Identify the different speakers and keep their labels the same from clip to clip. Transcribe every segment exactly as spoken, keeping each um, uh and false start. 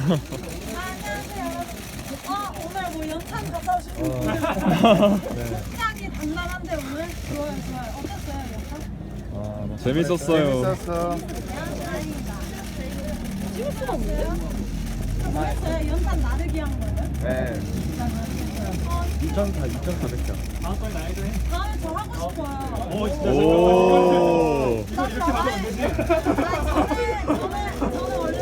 Speaker 1: 안녕하세요 여러분. 어 오늘 뭐 연탄 갔다 오신 분 굉장히 단단한데 오늘 좋아요 좋아요. 어땠어요 연탄?
Speaker 2: 아, 재밌었어요.
Speaker 3: 재밌었어.
Speaker 1: 다행이다. 찍을 수가 없어요? 그랬어요? 연탄 나르기 한 거예요?
Speaker 3: 네.
Speaker 1: 어,
Speaker 2: 이천사, 이천사백 점.
Speaker 1: 다음에 저 하고 싶어요.
Speaker 2: 오.
Speaker 1: 나 저는 저는 저는 저는 원래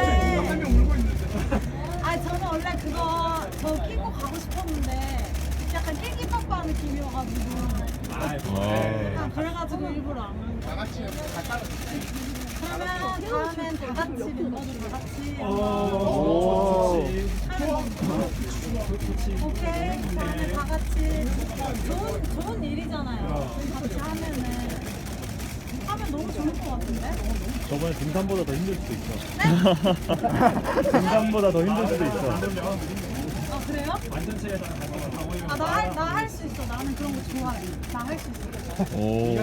Speaker 1: 아 저는 원래 그거 저 끼고 가고 싶었는데 약간 끼끼빠빠 느낌이어가지고
Speaker 2: 아.
Speaker 1: 아, 그래가지고 일부러 안 한 거야. 그러면 다음엔 다 같이 멤버들 다 같이
Speaker 2: 오.
Speaker 1: 오케이 다음에 다 같이 좋은 좋은 일이잖아요. 같이 하면은 하면 너무 좋을 것 같은데?
Speaker 2: 저번에 등산보다 더 힘들 수도 있어. 등산보다 더 힘들 수도 있어.
Speaker 1: 아 그래요? 아나나 할 수 있어. 나는 그런 거 좋아해. 나 할 수 있어.
Speaker 2: 오.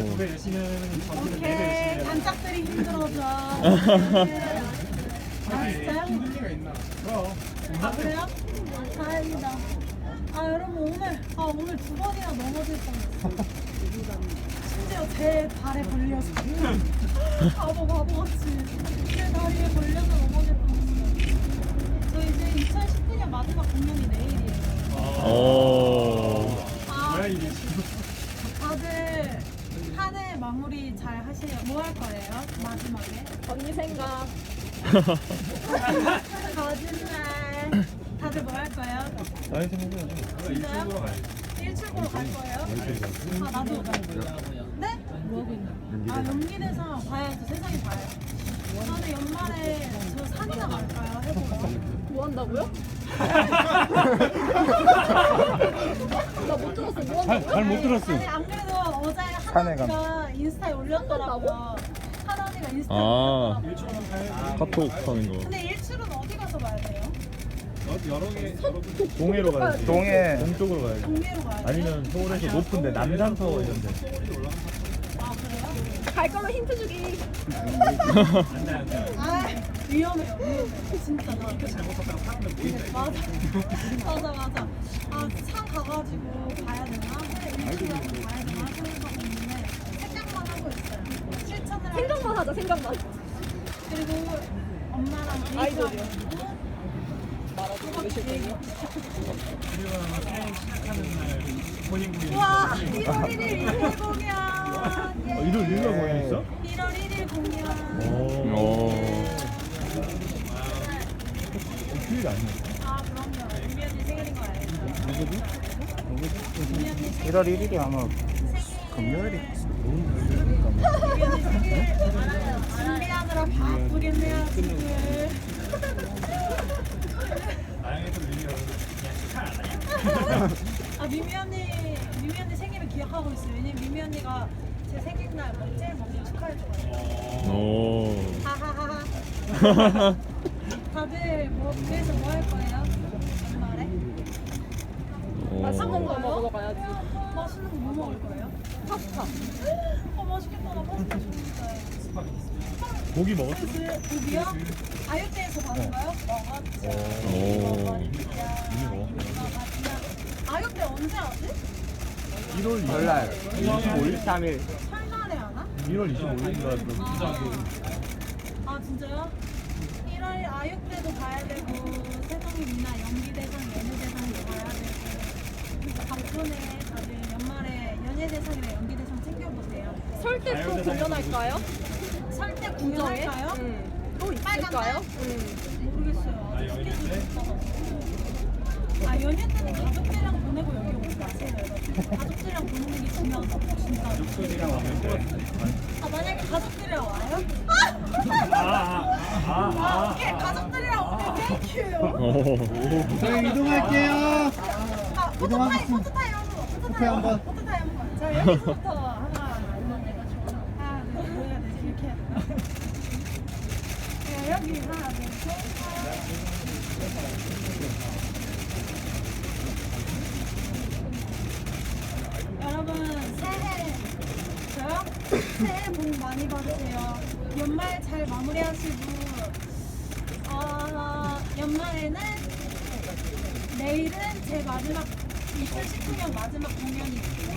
Speaker 1: 오케이 단짝들이 힘들어져. 아 진짜요? 아 그래요? 다행이다. 아 여러분 오늘 아 오늘 두 번이나 넘어질 뻔했어. 심지어 제 발에 걸려서 바보 바보같이 제 다리에 걸려서 넘어질 뻔했어요. 저 이제 이천십구 년 마지막 공연이 내일이에요.
Speaker 2: 오.
Speaker 1: 아, 다들 한 해 마무리 잘 하세요. 뭐 할 거예요? 마지막에?
Speaker 4: 언니 생각.
Speaker 1: 거짓말. 다들 뭐 할 거예요?
Speaker 2: 나이 생각해.
Speaker 1: 진짜요? 일출보러 갈 거예요? 아 나도. 네? 뭐 하고 있나? 아 연기대상 봐야죠. 세상이 봐요. 저는 연말에 저 산이나 갈까요? 해보러.
Speaker 4: 뭐 한다고요? 나 못 들었어. 뭐 한다고?
Speaker 2: 잘 못 들었어.
Speaker 1: 아니 안 그래도 어제
Speaker 3: 산에 가.
Speaker 1: 하나가 인스타에 올렸더라고요. 하나니가 인스타에
Speaker 2: 아.
Speaker 1: 올렸더라고요.
Speaker 2: 카톡 하는 거.
Speaker 1: 근데 일출은 어디 가서 봐야 돼요?
Speaker 2: 동해로 가야지.
Speaker 3: 동해.
Speaker 2: 동쪽으로 가야지.
Speaker 1: 동네로 가야 돼요?
Speaker 2: 아니면 서울에서 높은데 남산타워 이런 데.
Speaker 1: 아 그래요?
Speaker 4: 갈 거면 힌트 주기.
Speaker 1: 아 위험해요 위험해 진짜 나 맞아 맞아 맞아 아산 가가지고 가야 되나? 일출하고 가야 되나? 생각하고 있는데 생각만 하고 있어요 실천을 할
Speaker 4: 생각만 하자. 생각만.
Speaker 1: 그리고 엄마랑
Speaker 4: 아이돌이요.
Speaker 1: 와 일월 일일 일일 공연 예.
Speaker 2: 어, 일월 일일 공연 있어?
Speaker 1: 일월 일일 공연
Speaker 2: 오. 휴일 아니야?
Speaker 1: 아 그럼요 유미 언니 생일인 거 알죠? 유미 언니 생일
Speaker 3: 일월 일일이 아마
Speaker 1: 생일
Speaker 3: 금요일이.
Speaker 1: 유미 언니 생일 준비하느라 바쁘겠네요 지금 아 미미 언니 미미 언니 생일을 기억하고 있어요. 왜냐면 미미 언니가 제 생일날 뭐 제일 먼저 축하해줘가지고.
Speaker 2: 오.
Speaker 1: 하하하하. 다들 뭐 그래서 뭐 할 거예요? 연말에?
Speaker 4: 맛있는 거 먹으러 가야지.
Speaker 1: 맛있는 거 뭐 먹을 거예요?
Speaker 4: 파스타.
Speaker 1: 어 맛있겠다. 나 파스타 좋은데.
Speaker 2: 고기 먹었어?
Speaker 1: 그 고기요? 아육대에서 받은가요? 먹었죠.
Speaker 2: 오.
Speaker 1: 먹었죠. 아육대 언제 하지?
Speaker 2: 일월
Speaker 3: 설날.
Speaker 2: 이십오일?
Speaker 3: 삼일.
Speaker 1: 설날에 하나?
Speaker 2: 일월 이십오일인가 그럼.
Speaker 1: 아, 아 진짜요? 일월 아육대도 봐야 되고 세상이 미나 연기대상 연예대상도 봐야 되고 바쁘네 다들 연말에 연예대상이랑 연기대상 챙겨보세요.
Speaker 4: 설때 또 공연할까요?
Speaker 1: 설때 공연할까요?
Speaker 4: 응. 또
Speaker 1: 빨간
Speaker 4: 있을까요?
Speaker 1: 날?
Speaker 4: 응.
Speaker 1: 모르겠어요. 아직 스케줄이 없어가지고. 아 연휴 때는 가족들이랑 보내고 여기 오지 마세요 여러분. 가족들이랑 보내는 게 중요하다고 진짜. 아 만약에 가족들이랑 와요? 아 오케이 가족들이랑 오면 땡큐.
Speaker 3: 저희 이동할게요.
Speaker 1: 아 포토타임 포토타임 한번 포토타임 한번 포토타임 한번. 자 여기서부터 하나 하나 둘 해야 되지 이렇게 해야 되나? 네, 여기 하나 둘 셋. 여러분 새해 저요? 새해 복 많이 받으세요. 연말 잘 마무리하시고 어, 연말에는 내일은 제 마지막 이천십구 년 마지막 공연이 있고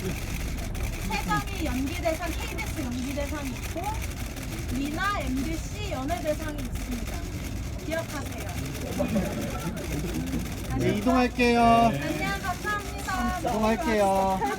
Speaker 1: 세상이 연기대상 케이비에스 연기대상이 있고 미나 엠비씨 연예대상이 있습니다. 기억하세요.
Speaker 3: 네, 이동할게요.
Speaker 1: 안녕 감사합니다.
Speaker 3: 이동할게요.